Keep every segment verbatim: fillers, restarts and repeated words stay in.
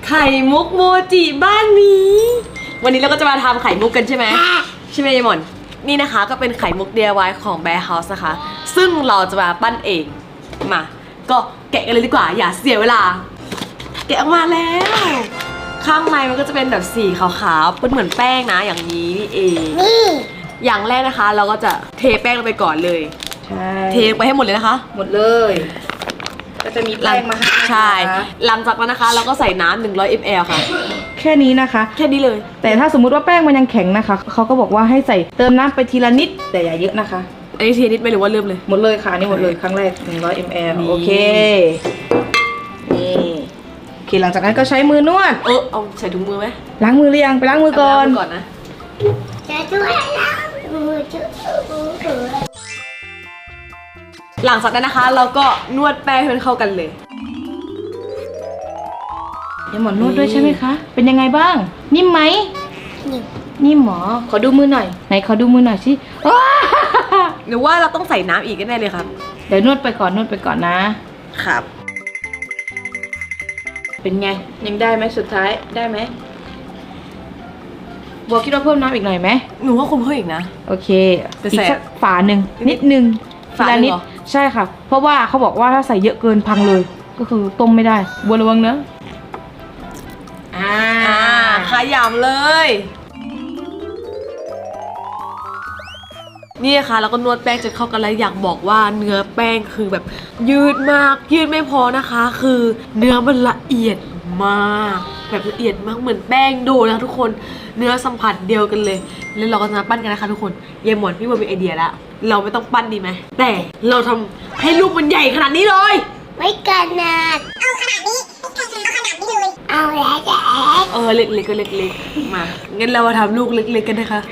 ไข่มุกโมจิบ้านนี้วันนี้เราก็จะมาทำไข่มุกกันใช่ไหมใช่ไหมยายหมอนนี่นะคะก็เป็นไข่มุก ดี ไอ วาย ของ Bear House นะคะซึ่งเราจะมาปั้นเองมาก็แกะกันเลยดีกว่าอย่าเสียเวลาแกะออกมาแล้วข้างในมันก็จะเป็นแบบสีขาวๆเป็นเหมือนแป้งนะอย่างนี้นี่เองนี่อย่างแรกนะคะ เราก็จะเทแป้งลงไปก่อนเลยใช่เทไปให้หมดเลยนะคะหมดเลยก็จะมีแป้งมาให้ใช่หลังจากนั้นนะคะเราก็ใส่น้ำหนึ่งร้อยมิลลิลิตร ค่ะแค่นี้นะคะแค่นี้เลยแต่ถ้าสมมุติว่าแป้งมันยังแข็งนะคะเขาก็บอกว่าให้ใส่เติมน้ำไปทีละนิดแต่อย่าเยอะนะคะอันนี้ทีนิดไม่หรือว่าเริ่มเลยหมดเลยค่ะนี่หมดเลยครั้งแรกหนึ่งร้อยมิลลิลิตรโอเคนี่โอเคหลังจากนั้นก็ใช้มือนวดเออเอาใส่ถุงมือไหมล้างมือหรือยังไปล้างมือก่อนก่อนนะจะด้วยล้างมือจุ๊บหลังจากนั้นนะคะเราก็นวดแป้งให้มันเข้ากันเลยเดี๋ยวหมอนนวดด้วยใช่ไหมคะเป็นยังไงบ้างนิ่มไหมนิ่มนิ่มหมอขอดูมือหน่อยไหนขอดูมือหน่อยสิหรือว่าเราต้องใส่น้ำอีกแน่เลยครับเดี๋ยวนวดไปก่อนนวดไปก่อนนะครับเป็นไงยังได้ไหมสุดท้ายได้ไหมบัวคิดว่าเพิ่มน้ำอีกหน่อยไหมหนูว่าคุมเพิ่มอีกนะโอเคอีกสักฝาหนึ่งนิดนึงฝานิดใช่ค่ะเพราะว่าเขาบอกว่าถ้าใส่เยอะเกินพังเลยก็คือต้มไม่ได้บัวระวังเนอะอ่าขยำเลยนี่ค่ะแล้วก็นวดแป้งจนเข้ากันแล้วอยากบอกว่าเนื้อแป้งคือแบบยืดมากยืดไม่พอนะคะคือเนื้อมันละเอียดมากแบบละเอียดมากเหมือนแป้งโดนะทุกคนเนื้อสัมผัสเดียวกันเลยแล้วเราก็จะมาปั้นกันนะคะทุกคนยายหมอนพี่บัวมีไอเดียแล้วเราไม่ต้องปั้นดีไหมแต่เราทำให้ลูกมันใหญ่ขนาดนี้เลยไม่ขนาดเอาขนาดนี้เอาขนาดนี้เลยเอาแล้วแกเออเล็กๆก็เล็กๆมางั้นเรามาทำลูกเล็กๆกันนะคะ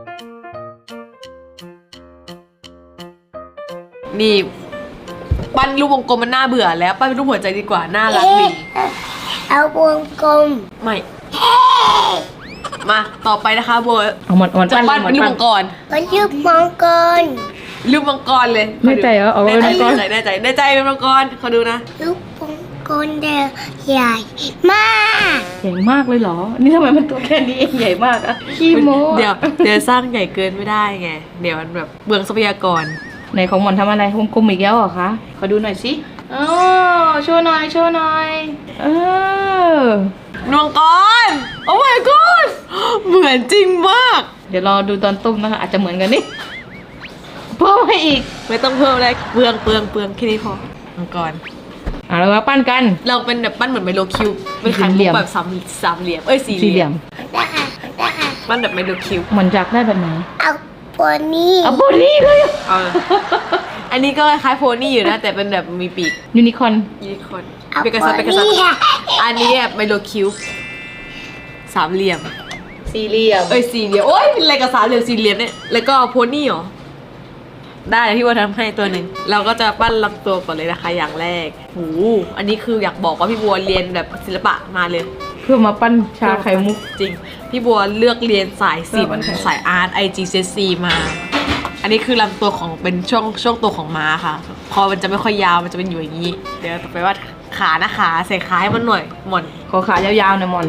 นี่ปั้นลูกวงกลมมันน่าเบื่อแล้วปั้นเป็นรูปหัวใจดีกว่าน่ารักดีเอาวงกลมไม่มาต่อไปนะคะโบเอาหมดหมดจะปั้นเป็นรูปมังกรเป็นรูปมังกรรูปมังกรเลยแน่ใจเหรอเอาเป็นมังกรแน่ใจแน่ใจเป็นมังกรขอดูนะรูปมังกรเดียวใหญ่มากใหญ่มากเลยเหรอนี่ทำไมมันตัวแค่นี้เองใหญ่มากอะขี้โม้เดี๋ยวเดี๋ยวสร้างใหญ่เกินไม่ได้ไงเดี๋ยวมันแบบเบืองทรัพยากรไหนของหมอนทำอะไรวงกลมอีกแล้วเหรอคะขอดูหน่อยสิอ๋อโชว์หน่อยโชว์หน่อยเออมังกรโอ้ my god เหมือนจริงมากเดี๋ยวรอดูตอนต้มนะคะอาจจะเหมือนกันนี่เพิ่มให้อีกไม่ต้องเพิ่มเลยเปลืองเปลืองเปลืองแค่นี้พอมังกรอ่ะเรามาปั้นกันเราเป็นแบบปั้นเหมือนไมโลคิวเป็นไข่มุกแบบสามสามเหลี่ยมเอ้ยสี่เหลี่ยมปั้นแบบไมโลคิวเหมือนจากได้แบบไหนเอาโพนี่เอาโพนี่เลยเอาอันนี้ก็คล้ายโพนี่อยู่นะแต่เป็นแบบมีปีกยูนิคอร์นยูนิคอร์นเปกาซัสเปกาซัสอันนี้แบบไมโลคิวสามเหลี่ยมสี่เหลี่ยมเอ้ยสี่เหลี่ยมโอ้ยเป็นอะไรกับสามเหลี่ยมสี่เหลี่ยมเนี่ยแล้วก็โพนี่เหรอได้เลยพี่ว่าทำให้ตัวหนึ่งเราก็จะปั้นลำตัวก่อนเลยนะคะอย่างแรกโหอันนี้คืออยากบอกว่าพี่บัวเรียนแบบศิลปะมาเลยเพื่อมาปั้นชาไข่มุกจริงพี่บัวเลือกเรียนสายศิลป์สายอาร์ต ไอ จี ซี เอส ซี มาอันนี้คือลำตัวของเป็นช่วงช่วงตัวของม้าค่ะพอมันจะไม่ค่อยยาวมันจะเป็นอยู่อย่างนี้เดี๋ยวต่อไปว่าขานะขาใส่ขาให้มันหน่อยหม่อนขอขายาวๆหน่อยหม่อน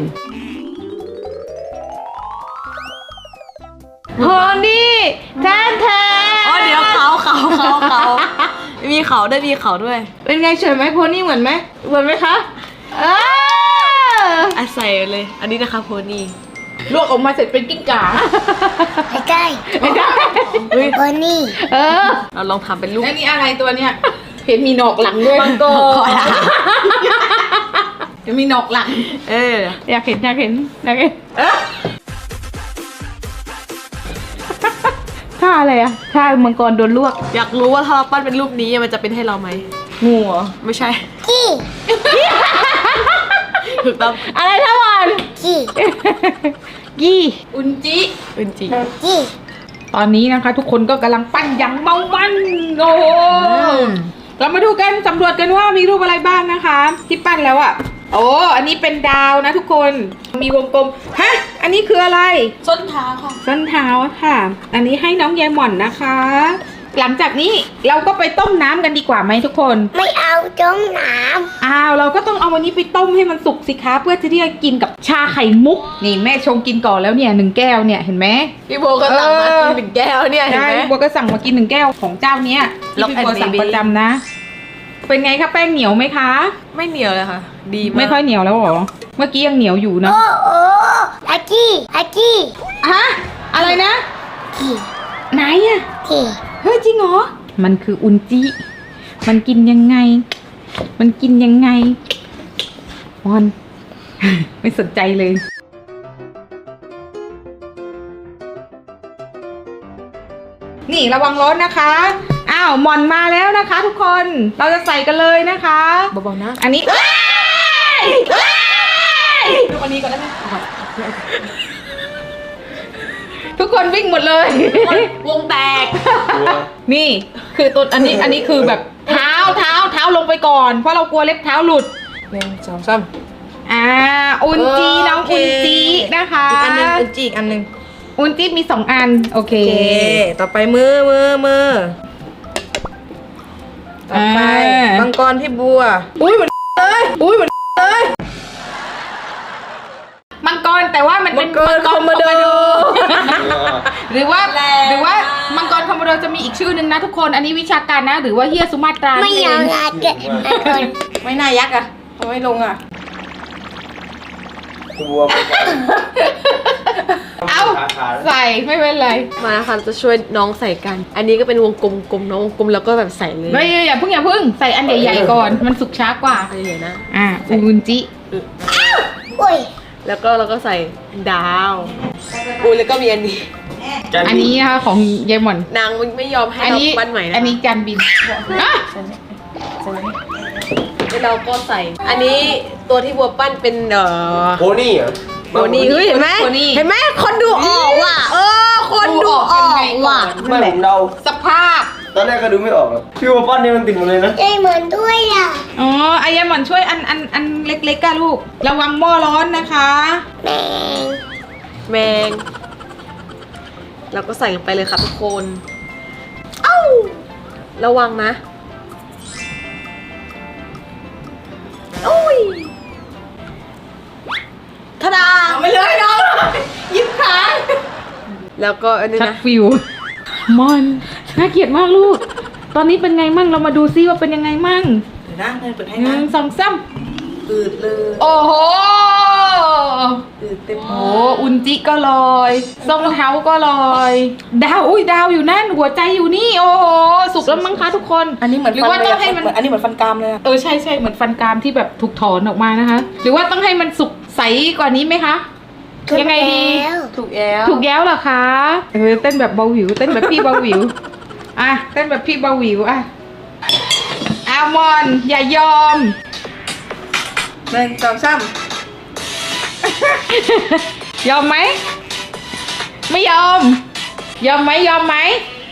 โพนี่แทนแทนอ๋อเดี๋ยวเขาเขาเขาเขามีเขาด้วยมีเขาด้วยเป็นไงเฉยไหมโพนี่เหมือนไหมเหมือนไหมคะเอออ่ะใส่เลยอันนี้นะคะโพนี่ลวกออกมาเสร็จเป็นกิ้งก่าไม่ได้ไม่ได้โพนี่เออเราลองทำเป็นลูกอันนี้อะไรตัวเนี้ยเห็นมีหนอกหลังด้วยมังกรเห็นมีหนอกหลังเอออยากเห็นอยากเห็นอยากเห็นท่าอะไรอะท่ามังกรโดนลวกอยากรู้ว่าถ้าเราปั้นเป็นรูปนี้มันจะเป็นให้เราไหมงูเหรอไม่ใช่กี้ถูกต้องอะไรท่าบอลกี้กี้อุนจิอุนจิกี้ตอนนี้นะคะทุกคนก็กำลังปั้นอย่างเมามันโอ้เรามาดูกันสำรวจกันว่ามีรูปอะไรบ้างนะคะที่ปั้นแล้วอะโอ้อันนี้เป็นดาวนะทุกคนมีวงกลมฮะอันนี้คืออะไรส้นเท้าค่ะส้นเท้าค่ะอันนี้ให้น้องยายหม่อนนะคะหลังจากนี้เราก็ไปต้มน้ำกันดีกว่าไหมทุกคนไม่เอาจ้องน้อ้าวเราก็ต้องเอาวันนี้ไปต้มให้มันสุกสิคะเพื่อจะได้กินกับชาไข่มุกนี่แม่ชงกินก่อนแล้วเนี่ยหนึ่งแก้วเนี่ยเห็นไหมพี่โบก็สั่งมากินหนึ่งแก้วเนี่ยเห็นใช่ไหมบัวก็สั่งมากินหนึ่งแก้วของเจ้าเนี้ยที่ Lock พี่บัว and สั่ง Baby ประจำนะ เป็นไงคะแป้งเหนียวไหมคะไม่เหนียวเลยค่ะ ดีมากไม่ค่อยเหนียวแล้วเหรอเมื่อกี้ยังเหนียวอยู่ำเนาะโอ้โอ้อาจี้อาจี้ฮะอะไรนะที่ไหนอะที่เฮ้ยจริงเหรอมันคืออุนจิมันกินยังไง มันกินยังไงมอน ไม่สนใจเลย นี่ระวังร้อนนะคะ อ้าวหมอนมาแล้วนะคะ ทุกคน เราจะใส่กันเลยนะคะเบาๆนะอันนี้เอ้ยเอ้ยดูอันนี้ก่อนได้ไหมทุกคนวิ่งหมดเลยวงแตกนี่คือตัวอันนี้อันนี้คือแบบเท้าเท้าเท้าลงไปก่อน เพราะเรากลัวเล็บเท้าหลุดหนึ่งสองสามอ่าอุนจีเออน้องโอเคอุนจีนะคะอีกอันหนึ่งอุนจิอีกอันหนึ่งอุนจีมีสองอันโอเคโอเค ต่อไปมือมือมือต่อไปอ่ามังกรพี่บัว อุ้ยเหมือนเลยอุ้ยเหมือนเลยมังกรแต่ว่ามันเป็นมังกรคอมโมโดหรือว่าแรงหรือว่ามังกรคอมโมโดจะมีอีกชื่อหนึ่งนะทุกคนอันนี้วิชาการนะ หรือว่าเฮียสุมาตราไม่เอานั่นเองงานเกิดอาคนไม่น่ายักษ์อ่ะเอาไม่ลงอ่ะบัวไปก่อนเอาใส่ไม่เป็นไรมาค่ะจะช่วยน้องใส่กัน อันนี้ก็เป็นวงกลมกลมน้องวงกลมแล้วก็แบบใส่เลยไม่อย่าเพิ่งอย่าเพิ่งใส่อันใหญ่ๆก่อนมันสุกช้ากว่าอันนี้นะอ่าอุนจิอุ้ยแล้วก็เราก็ใส่ดาวอุ้ยแล้วก็มีอันนี้อันนี้นะคะของยายหม่อนนางไม่ยอมให้อันเรานี้ปั้นใหม่นะอันนี้จานบินอ่ะแล้วเราก็ใส่ อันนี้ตัวที่บัวปั้นเป็นเอ่อโพนี่เหรอโบนี่เฮ้ยเห็นไหมเห็นไหมคนดูออกว่ะเออคนดูออกว่ะไม่ผมเดาสภาพตอนแรกก็ดูไม่ออกหรอกพี่ว่าปั้นเนี่ยมันติดหมดเลยนะใจเหมือนด้วยอ่ะอ๋อไอ้ยายหม่อนช่วยอันอันอันเล็กๆก้าลูก ระวังหม้อร้อนนะคะแมงแมงเราก็ใส่ลงไปเลยค่ะทุกคนเอ้าระวังนะโอ้ยทะดาเอาไปเลยน้องยิบขาแล้วก็อันนี้ชักนะฟิวมอนน่าเกลียดมากลูก ตอนนี้เป็นไงมั่งเรามาดูซิว่าเป็นยังไงมั่งเดี๋ยวนะเงินเปิดให้หนะนึ่งสองสามอืดเลยโอ้โหอืดเต็มโอ้อุนจิก็ลอยทรงเท้าก็ลอย ดาวอุ้ยดาวอยู่นั่นหัวใจอยู่นี่ โอ้โหสุกแล้วมั้งคะทุกคนอันนี้เหมือนหรือว่าต้องให้มันอันนี้เหมือนฟันกรามเลยอะเออใช่ใช่เหมือนฟันกรามที่แบบถูกถอนออกมานะคะ หรือว่าต้องให้มันสุกใสกว่านี้ไหมคะ ยังไงดีแล้วถูกแล้วถูกแย้วเหรอคะเออเต้นแบบเบาหวิวเต้นแบบพี่เบาหวิวอ่ะเต้นแบบพี่เบาหวิวอ่ะอามอนอย่ายอมหนึ่งสองสามยอมไหมไม่ยอม ยอมไหมยอมไหม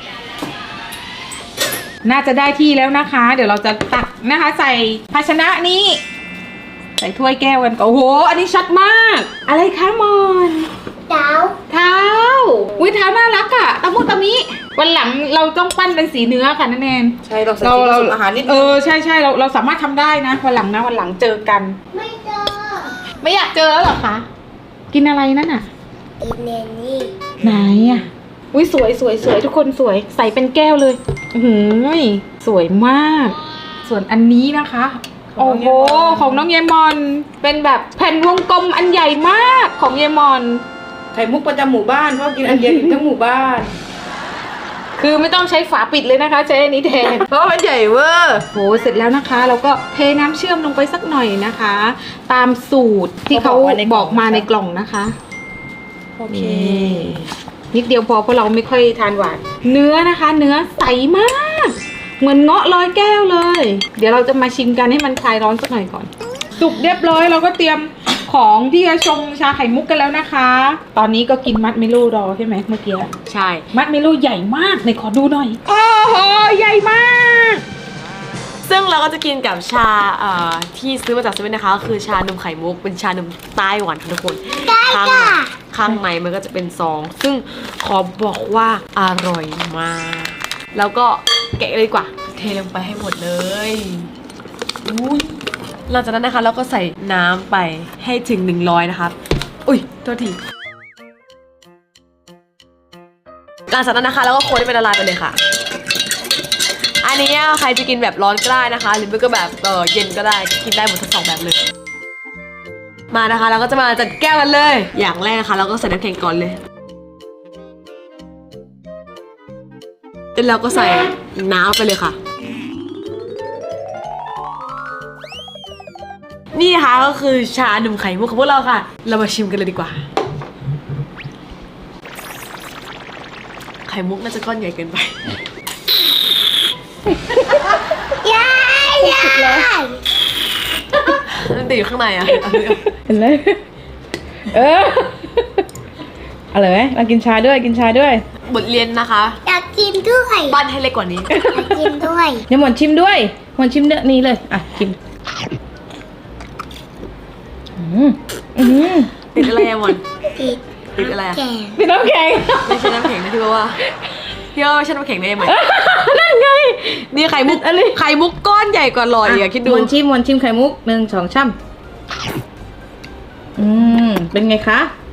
น่าจะได้ที่แล้วนะคะ เดี๋ยวเราจะตักนะคะ ใส่ภาชนะนี้ ใส่ถ้วยแก้วกันก่อนโอ้โห อันนี้ชัดมาก อะไรคะมอนดาวเท้าอุ้ยเท้าน่ารักอะตะมุตะมิวันหลังเราต้องปั้นเป็นสีเนื้อค่ะนั่นเองใช่เราใส่สีผสมอาหารนิดเอนึงอใช่ใช่เราเราสามารถทำได้นะวันหลังนะวันหลังเจอกันไม่เจอไม่อยากเจอแล้วเหรอคะกินอะไรนั่นน่ะอีเนนี่ไหนอะอุ้ยสวยสวยสวยทุกคนสวยใส่เป็นแก้วเลยอือหือสวยมาก ส่วนอันนี้นะคะโอ้โหของน้องเยมอนเป็นแบบแผ่นวงกลมอันใหญ่มากของเยมอนไข่มุกประจำหมู่บ้านเพราะกินอันเดียวอิ่มทั้งหมู่บ้านคือไม่ต้องใช้ฝาปิดเลยนะคะใช้อันนี้แทนเพราะมันใหญ่เวอร์โหเสร็จแล้วนะคะเราก็เทน้ำเชื่อมลงไปสักหน่อยนะคะ ตามสูตรที่เขาบอกมาในกล่องนะคะโอเคนิดเดียวพอเพราะเราไม่ค่อยทานหวาน เนื้อนะคะ เนื้อใสมาก เหมือนเงาะร้อยแก้วเลย เดี๋ยวเราจะมาชิมกันให้มันคลายร้อนสักหน่อยก่อน สุกเรียบร้อยเราก็เตรียมของที่จะชงชาไข่มุกกันแล้วนะคะ ตอนนี้ก็กินมัดเมโลรอใช่ไหมเมื่อกี้ใช่มัดเมโลใหญ่มากไหนขอดูหน่อยโอ้โหใหญ่มากซึ่งเราก็จะกินกับชาเอ่อที่ซื้อมาจากเซเว่นนะคะก็คือชานมไข่มุกเป็นชานมไต้หวันค่ะทุกคนข้างในข้างในมันก็จะเป็นซอง ซึ่งขอบอกว่าอร่อยมากแล้วก็แกะเลยดีกว่า เทลงไปให้หมดเลยอุ้ยหลังจากนั้นนะคะเราก็ใส่น้ำไปให้ถึงหนึ่งร้อยนะครับอุ้ยโทษทีหลังจากนั้นนะคะเราก็คนให้เป็นละลายไปเลยค่ะอันนี้ใครจะกินแบบร้อนก็ได้นะคะหรือไม่ก็แบบเออเย็นก็ได้กินได้หมดทั้งสองแบบเลยมานะคะเราก็จะมาจัดแก้วกันเลยอย่างแรกนะคะเราก็ใส่น้ำแข็งก่อนเลยแล้วเราก็ใส่น้ำไปเลยค่ะนี่นะคะก็คือชาหนุ่มไข่มุกของพวกเราค่ะเรามาชิมกันเลยดีกว่าไข่มุกน่าจะก้อนใหญ่เกินไปยายยายมันติดอยู่ข้างในอ่ะเห็นเลยเอออร่อยไหมเรากินชาด้วยกินชาด้วยบทเรียนนะคะอยากกินด้วยปั้นให้เล็กกว่านี้อยากกินด้วยเดี๋ยวหมอนชิมด้วยหมอนชิมเนื้อนี้เลยอ่ะชิมอืมอืมติดอะไรอะมอนติดติดอะไรอะแกงเป็นน้ำแข็งไม่ใช่น้ำแข็งนะที่บอกว่าพี่ว่าไม่ใช่น้ำแข็งได้ไหมนั่นไงนี่ไข่มุกอะไรไข่มุกก้อนใหญ่กว่าหลอดอีกอะคิดดูหมอนชิมหมอนชิมไข่มุกหนึ่งสองช่ำอืมเป็นไงคะ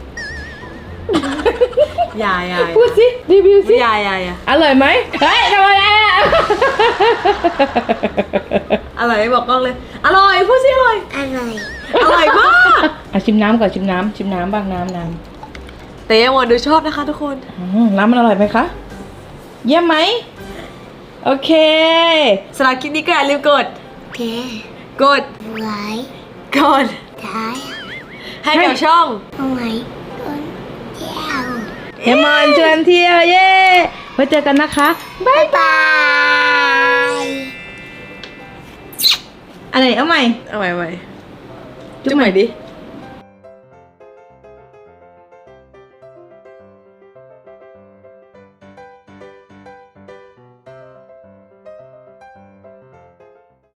ยายยายพูดสิรีวิวสิยายยายอะอร่อยไหมเฮ้ยทำอะไรอ่ะอร่อยบอกกล้องเลย อร่อยพูดสิอร่อยอร่อยอร่อยมากอ่ะชิมน้ำก่อนชิมน้ำชิมน้ำบ้างน้ำน้แต่ยังมอนดูชอบนะคะทุกคนำอืมน้ำมันอร่อยไหมคะเยี่ยมไหมโอเคสำหรับคลิปนี้ก็อย่าลืมกดแกกดไว้กดท้ายให้กับช่องเอาไว้ต้นเจ้าเอมอนชวนเที่ยวเย้ไว้เจอกันนะคะบ๊ายบายอะไรเอาใหม่เอาใหม่เอาใหม่จุ๊จุ๊บบ ใหใหม่ม่ดิ